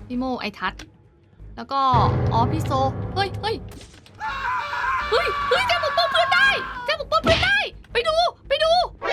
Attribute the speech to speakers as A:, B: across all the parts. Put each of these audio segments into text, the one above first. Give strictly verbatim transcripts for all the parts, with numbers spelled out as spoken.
A: พี่โมไอทัศน์แล้วก็อ๋อพี่โซเฮ้ยเฮ้ยเฮ้ยเฮ้ยแจงปกป้องเพื่อนได้แจงปกป้องเพื่อนได้ไปดูไปดู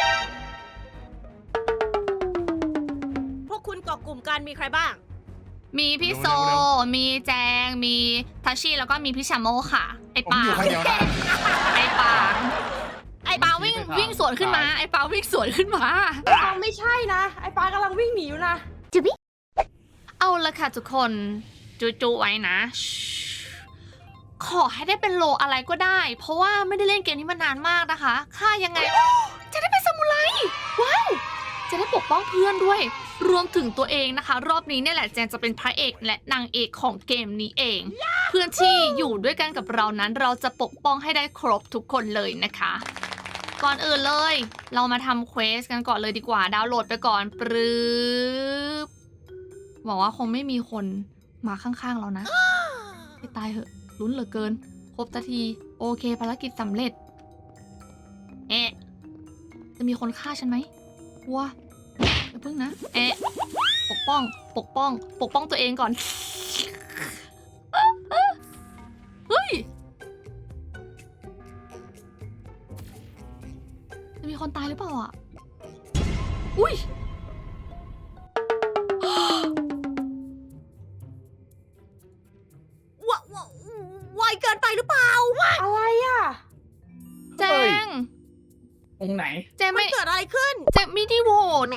B: พวกคุณเกาะกลุ่มกันมีใครบ้าง
A: มีพี่โซมีแจงมีทัชชี่แล้วก็มีพี่ชาโมค่ะไอ
C: ผม
A: ปา
C: อยู่คนเดียวนะ
A: ไอปาไอปาวิ่งวิ่งสวนขึ้นมาไอปาวิ่งสวนขึ้นมา
D: ปาไม่ใช่นะไอ้ปากำลังวิ่งหนีอยู่นะ
A: เอาละค่ะทุกคนจูจูไว้นะขอให้ได้เป็นโลอะไรก็ได้ เพราะว่าไม่ได้เล่นเกมนี้มานานมากนะคะค่ายังไง จะได้เป็นซามูไรว้าวจะได้ปกป้องเพื่อนด้วย รวมถึงตัวเองนะคะ รอบนี้เนี่ยแหละแจนจะเป็นพระเอกและนางเอกของเกมนี้เอง เพื่อนที่อยู่ด้วยกันกับเรานั้นเราจะปกป้องให้ได้ครบทุกคนเลยนะคะ ก่อนอื่นเลย เรามาทำเควสกันก่อนเลยดีกว่าดาวน์โหลดไปก่อนปรึ๊บหวังว่าคงไม่มีคนมาข้างๆเรานะให้ตายเหอะลุ้นเหลือเกิน ครบสักทีโอเคภารกิจสำเร็จเอ๊ะจะมีคนฆ่าฉันไหมวัวอย่าพึ่งนะเอ๊ะปกป้องปกป้อง ปกป้องตัวเองก่อนเฮ้ยจะมีคนตายหรือเปล่าอ่ะอุ้ย
B: วะวะไวเกินไปหรือเปล่า
D: อะไรอ่ะ
A: แจง
C: ตรงไหน
A: แจง
B: มั
A: ไม่
B: นเกิดอะไรขึ้น
A: แจงไม่ได้โหวต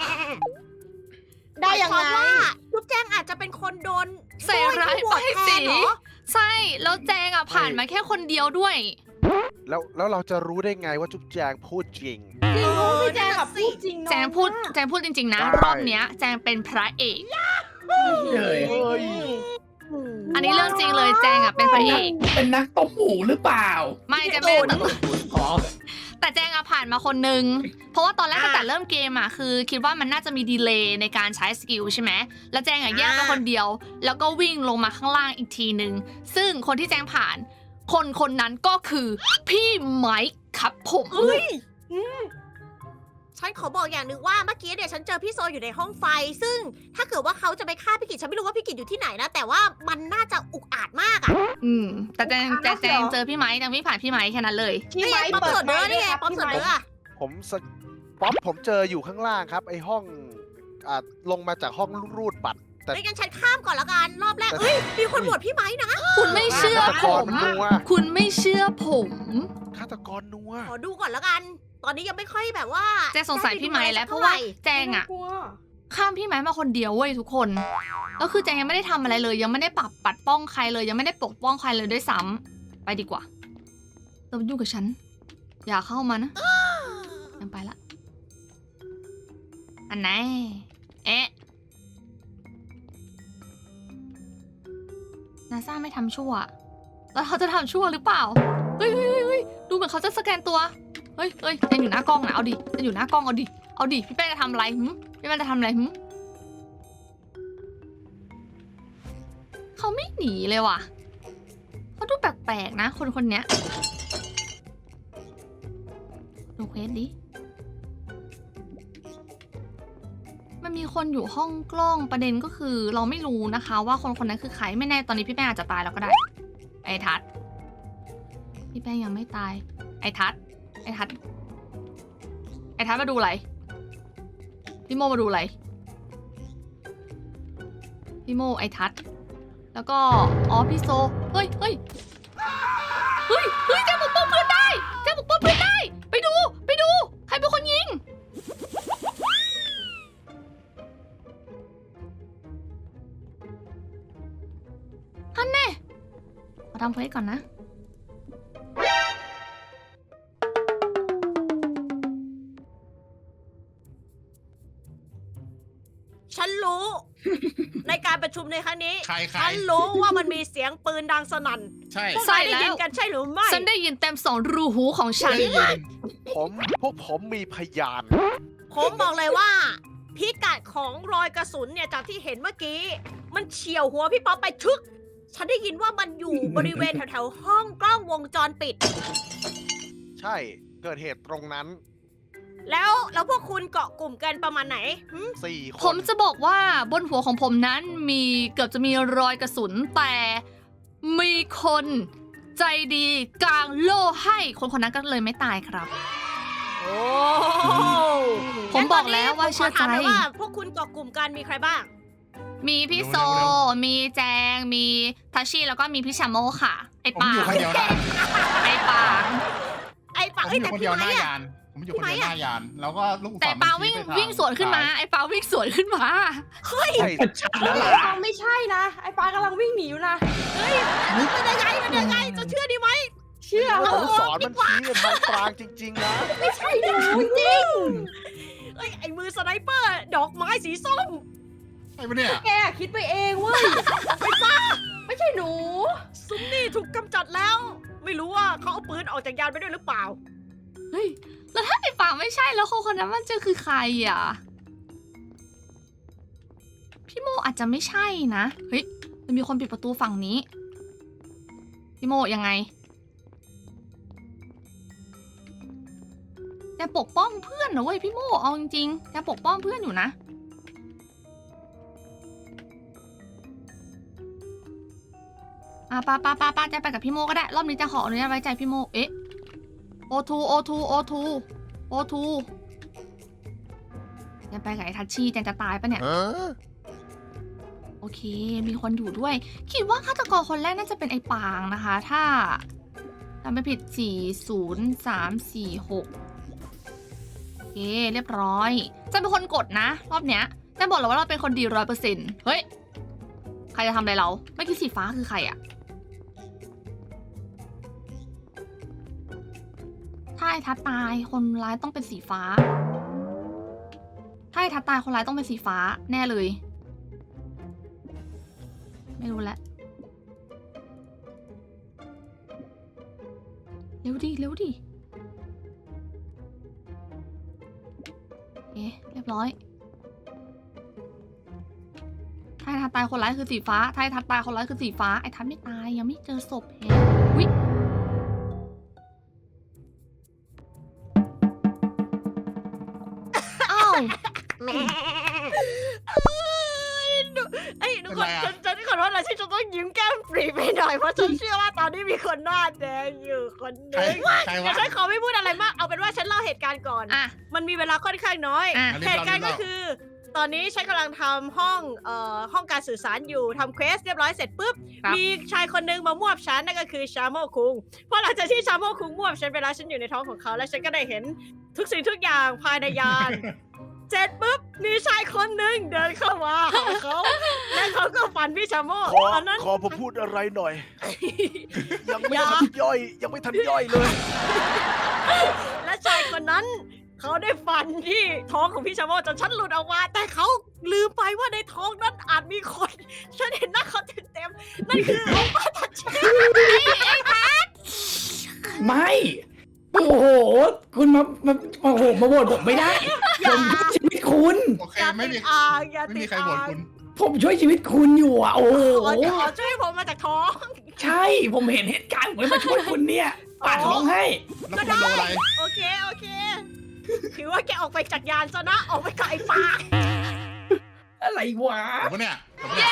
D: ได้ยัง
B: หมาย
D: ไง
B: ความว่าลูกแจ้งอาจจะเป็นคนโดน
A: ใส่ร้าย
B: โบ
A: ป้าย
B: แท
A: สี
B: นเหรอ
A: ใช่แล้วแจงอ่ะผ่านมาแค่คนเดียวด้วย
E: แล้วแล้วเราจะรู้ได้ไงว่าจุ๊บแจงพูดจริง
D: จริง
B: เออ
D: พี่แจง
B: นั่น
D: กั
B: น่ะ
D: บ
B: สิ
D: พูดจริงน้อย
A: แจงพูด
D: มาก
A: แจงพูดจริงๆนะ
E: ได้
A: รอบเนี้ยแจงเป็นพระเอก
C: เลย
E: เฮ้ย
A: อันนี้เรื่องจริงเลยแจงอ่ะเป็นพระเอก
C: เป็นนักต้มหมูหรือเปล่า
A: ไม่แจงไม่ได้ตั้ง
C: อ๋อ
A: แต่แจงอะผ่านมาคนนึง เพราะว่าตอนแรกตั้งแต่เริ่มเกมอะคือ คิดว่ามันน่าจะมีดีเลย์ในการใช้สกิลใช่ไหมแล้วแจงอะแยกไปคนเดียว แล้วก็วิ่งลงมาข้างล่างอีกทีนึง ซึ่งคนที่แจงผ่าน คนคนนั้นก็คือพี่ไมค์ครับผม
B: เฮ้ยฉันขอบอกอย่างหนึ่งว่าเมื่อกี้เนี่ยฉันเจอพี่โซอยู่ในห้องไฟ ซึ่งถ้าเกิดว่าเขาจะไปฆ่าพี่กิจฉันไม่รู้ว่าพี่กิจอยู่ที่ไหนนะ แต่ว่ามันน่าจะอุกอาจมากอะ
A: อืมแต่แจงแต่แจงเจอพี่ไมค์แจงไม่ผ่านพี่ไมค์แค่นั้นเลย
D: พี่
B: นี่
D: ไม้
B: ไงป๊อป
D: เปิ
B: เสิ
D: ด
B: ร์ฟเนื้อนี่ไง
D: ครับ
B: ป๊อปเสิร์ฟ
D: พี่
B: เนื้อ
D: ไม้
B: อะ
E: ผมสะป๊อปผมเจออยู่ข้างล่างครับ ไอห้องอ่าลงมาจากห้องรูดบัตร แต่
B: ไม่งั้นฉันข้ามก่อนละกันรอบแรกเอ้ยมีคนโหวตพี่ไม้นะ
A: คุณไม่เชื่อ
E: ฆาต
A: ผ
E: กร
A: ม
E: มันนัว
A: คุณไม่เชื่อผม
E: ฆาตกรนัว
B: ขอดูก่อนละกัน ตอนนี้ยังไม่ค่อยแบบว่า
A: แจงสงสัยพี่ไม้แล้วเพ
B: ท่
A: ราะ
B: ไห
A: ว่าแจงอะ
D: กลัว
A: ข้ามพี่ไม้มาคนเดียวเว้ยทุกคน แล้วคือแจงยังไม่ได้ทำอะไรเลย ยังไม่ได้ปรับปัดป้องใครเลย ยังไม่ได้ปกป้องใครเลยด้วยซ้ำไปดีกว่าเรายุ่งกับฉัน อย่าเข้ามานะยังไปละอันไหนเอ๊ะนาซาไม่ทำชั่ว แล้วเขาจะทำชั่วหรือเปล่าเฮ้ยเฮ้ยเฮ้ยเฮ้ยดูเหมือนเขาจะสแกนตัวเฮ้ยเฮ้ยแจงอยู่หน้ากล้องนะเอาดิแจงอยู่หน้ากล้องเอาดิเอาดิพี่แป้งจะทำอะไรหึพี่แป้งจะทำอะไรหึเขาไม่หนีเลยว่ะเขาดูแปลกๆนะคนคนเนี้ยดูเควสดิมันมีคนอยู่ห้องกล้องประเด็นก็คือ เราไม่รู้นะคะ ว่าคนคนนั้นคือใครไม่แน่ตอนนี้พี่แป้งอาจจะตายแล้วก็ได้ ไอ้ทัศน์พี่แป้งยังไม่ตาย ไอ้ทัศน์ไอ้ทัศน์ไอ้ทัศน์มาดูอะไรพี่โมมาดูอะไรพี่โมไอ้ทัศน์แล้วก็อ๋อพี่โซเฮ้ยเฮ้ยเฮ้ยเฮ้ยแจงปกป้องเพื่อนได้แจงปกป้องเพื่อนได้ไปดูไปดูใครเป็นคนยิงฮันเน่มาทำเควสก่อนนะ
B: ฉันรู้ ในการประชุมในครั้งนี้
C: ใครใคร
B: ฉันรู้ว่ามันมีเสียงปืนดังสนั่น
C: ใช่
B: พวก
A: ใช่
B: นายได้
A: แล้ว
B: ยินกันใช่หรือไม่
A: ฉันได้ยินเต็มสองรูหูของฉัน
C: ได้ยิน
E: ผมพวกผมมีพยาน
B: ผมบอกเลยว่า พิกัดของรอยกระสุนเนี่ยจากที่เห็นเมื่อกี้ มันเฉียวหัวพี่ป๊อปไปชึก ฉันได้ยินว่ามันอยู่ บริเวณแถวๆห้องกล้องวงจรปิด
E: ใช่เกิดเหตุตรงนั้น
B: แล้วแล้วพวกคุณเกาะกลุ่มกันประมาณไหนหึ
E: สี่ค
A: ผม
E: น
A: จะบอกว่าบนหัวของผมนั้นมีเกือบจะมีรอยกระสุนแต่มีคนใจดีกางโล่ให้คนคนนั้นก็เลยไม่ตายครับ
B: โอ้
A: ผมบอกแล้วว่าเชื่อใจ
B: งั้นตนนี้ผมขถมหน่ยว่าพวกคุณเกาะกลุ่มกันมีใครบ้าง
A: มีพี่โซ มีแจง มีทัชชี่แล้วก็มีพี่ชาโมค่ะ ไอ
F: ผม
A: ปา
F: อยู่
A: ง
F: คนเดียวนะ
A: ไอปาง
B: ไอ้
F: ผ
B: ปัง
F: ม
B: เอ้ย
F: อยู่
B: แต่
F: คน
B: พี่
F: เดียวห
B: ไม้
F: น้า
B: อะ
F: ยาน ผมอยู่คนเดียวหน้ายาน แล้วก็ลูกศร
A: แต่ปางวิ่ง
F: มันชี้ไปทา
A: วิ่งสวนขึ้นมา ไอปางวิ่งสวนขึ้นมา
B: เฮ้ย
E: ใช่
C: ชัดแล้ว
D: ไอ้
C: ล่ะ
D: ปางไม่ใช่นะ ไอ้ปางกำลังวิ่งหนีอยู่นะ
B: เฮ้ยมันยังไงมันยังไงจะเชื่อดีไหม
D: เชื่อ
E: แล้ว
D: เหร
E: ลู
D: อก
E: ศรมันชี้ไปทางปรางจริงๆนะ
B: ไม่ใช่หนูจริงเอ้ยไอ้มือสไนเปอร์ดอกไม้สีส้ม
F: ใช่ปะเนี่ย
D: แกคิดไปเองเว้ยไม่ป้าไม่ใช่หนู
B: ซุมนี่ถูกกำจัดแล้ว ไม่รู้ว่าเขาเอาปืนออกจากยานไปด้วยหรือเปล่า
A: เฮ้ย แล้วถ้าไอปางไม่ใช่แล้วคนคนนั้นมันจะคือใครอ่ะ พี่โมอาจจะไม่ใช่นะ เฮ้ยมันมีคนปิดประตูฝั่งนี้ พี่โมยังไงแต่ปกป้องเพื่อนนะเว้ยพี่โมเอาจริงๆแต่ปกป้องเพื่อนอยู่นะ อ่ะปาปาปาปาจะไปกับพี่โมก็ได้ รอบนี้จะขออนุญาตไว้ใจพี่โม เอ๊ะ โอทูโอทูโอทูโอทูจะไปกับไอ้ทัชชี่แจงจะตายปะเนี่ย โอเค มีคนอยู่ด้วย คิดว่าฆาตกรคนแรกน่าจะเป็นไอ้ปางนะคะ ถ้าจำไม่ผิด สี่ ศูนย์ สาม สี่ หก โอเค เรียบร้อยจะเป็นคนกดนะ รอบเนี้ยจะบอกเลยว่าเราเป็นคนดีร้อยเปอร์เซ็นต์เฮ้ย ใครจะทำอะไรเรา เมื่อกี้สีฟ้าคือใครอะถ้าไอ้ทัดตายคนร้ายต้องเป็นสีฟ้า ถ้าไอ้ทัดตายคนร้ายต้องเป็นสีฟ้าแน่เลย ไม่รู้แล้วเร็วดิเร็วดิเอ๊ะเรียบร้อยถ้าไอ้ทัดตายคนร้ายคือสีฟ้าถ้าไอ้ทัดตายคนร้ายคือสีฟ้าไอ้ทัดไม่ตายยังไม่เจอศพแฮะวิอ้าว
B: แม่ไอ้ยทุกคนฉันฉันขอโทษนะที่ฉันต้องยิ้มแก้มปรีไปหน่อยเพราะฉันเชื่อว่าตอนนี้มีคนหน้าแดงอยู่คนห
F: ใคร
B: นึ่ง
F: ใคร
B: แต่
F: วะ
B: ฉันขอไม่พูดอะไรมากเอาเป็นว่าฉันเล่าเหตุการณ์ก่อน
A: อ่ะ
B: มันมีเวลาค่อนข้างน้อย
A: อ่ะ
B: เหตุการณ์ก็คือ ตอนนี้ฉันกำลังทำห้องเอ่อห้องการสื่อสารอยู่ทำเควสเรียบร้อยเสร็จปุ๊บ
A: ครับ
B: มีชายคนหนึงมามวบฉันนั่นก็คือชาโมคุงพอหลังจากที่ชาโมคุงมวบฉันไปแล้วฉันอยู่ในท้องของเขาแล้วฉันก็ได้เห็นทุกสิ่งทุกอย่างภายในยาน เสร็จปุ๊บมีชายคนหนึ่งเดินเข้ามาหาเขาและเขาก็ฟันพี่ชาโม
E: ขอ
B: ตอนนั้น
E: ขอผมพูดอะไรหน่อย ยังไม่
B: อย่า
E: ทันย่อย ยังไม่ทันย่อยเลย
B: และชายคนนั้น เขาได้ฟันที่ท้องของพี่ชาโมจนฉันหลุดออกมา แต่เขาลืมไปว่าในท้องนั้นอาจมีคน ฉันเห็นหน้าเขาเต็มๆนั่นคือโอป้าทัชเช่
C: ไม่ โอ้โห คุณมามาโอ้โห มาโหวตผมไม่ได้ ผมช่วยชีวิตคุณ
F: โอเค
B: อย่า
F: ไม่
B: ติ
F: มี
B: ดอ่างอย่า
F: ไม่
B: ติ
F: มี
B: ด
F: ใคร
B: อ่า
F: โหวต
B: ง
F: คุณ
C: ผมช่วยชีวิตคุณอยู่อ่ะ โอ้โห
B: ขอขอช่วยผมมาจากท้อง
C: ใช่ ผมเห็นเหตุการณ์ผมเลยมาช่วยคุณเนี่ยปาดท้องให้
F: แล้วคุณโดนอะไร
B: โอเค โอเค ถือว่าแกออกไปจากยานซะนะ ออกไปกับไอ้ปลา
C: อะไรวะ
F: ผมปะเนี่ยผมปะเนี่ย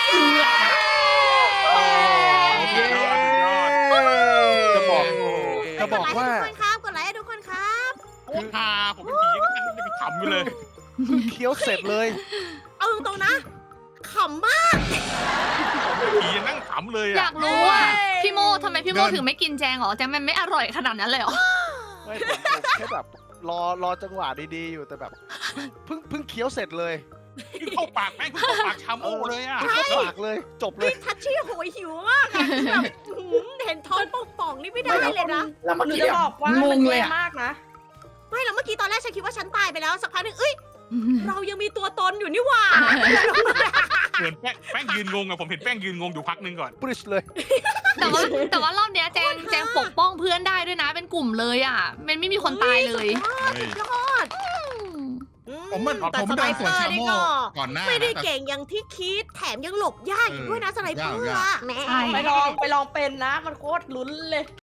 E: จะบอก จะบอกว่า
B: ทุกคนครับกดไลค์ให้ทุกคนครับ
F: คือพาผมเป็นผีก็ยังไปขำอยู่เลย
E: เพิ่งเคี้ยวเสร็จเลย
B: เอาตรงๆนะขำมาก
F: ผียังนั่งขำเลย
A: อ
F: อ่ะ
A: ยากรู้อ่ะ
B: เอ้ย
A: พี่โมทำไมพี่โม
F: เดิน
A: ถึงไม่กินแจงเหรอแจงมันไม่อร่อยขนาดนั้นเลยเหรอ
E: ไม่ผมผมแค่แบบรอรอจังหวะดีๆอยู่แต่แบบเพิ่งเพิ่งเคี้ยวเสร็จเลย
F: เข้าปากแม่งเข้าปากชาโม่เลยอ่ะ
E: เข้าปากเลย จบเลย
B: ทัชชี่โหยหิวมากอะคือแบบอื้อหือเห็นท้องป่องๆนี่ไม่ได้เลยนะ
C: แล้วเมื่อ
D: หนู
C: กี้
D: จะบอกว่า
C: ง
D: มัน
C: งเลย
D: แย่
C: อ่ะ
D: มากนะ
B: ไม่แล้วเมื่อกี้ตอนแรกฉันคิดว่าฉันตายไปแล้วสักพักหนึงเอ้ย เรายังมีตัวตนอยู่นี่หว่า
F: เหมือนแป้งแป้งยืนงงอะผมเห็นแป้งยืนงงอยู่พักนึงก่อน
E: ปริชเลย
A: แต่ว่าแต่ว่ารอบเนี้ยแจงแจงปกป้องเพื่อนได้ด้วยนะเป็นกลุ่มเลยอ่ะ มันไม่มีคนตายเลย
F: เฮ้ย
B: ยอด
F: ผมมัน
B: แต่
F: ผม
B: ส
F: โด
B: ไน
F: น
B: เป
F: สวน
B: อ
F: ชา
B: ร์นี่
F: โม่
B: ก็
F: ก่อนหน้า
B: ไม่ได้
F: นะแต่
B: เก่งอย่างที่คิดแถมยังหลบยากอยู่ด้วยนะสไนเปอร์
F: ยาก
B: อะ
A: ใช่
D: ไปลองไปลองเป็นนะ มันโคตรลุ้นเลย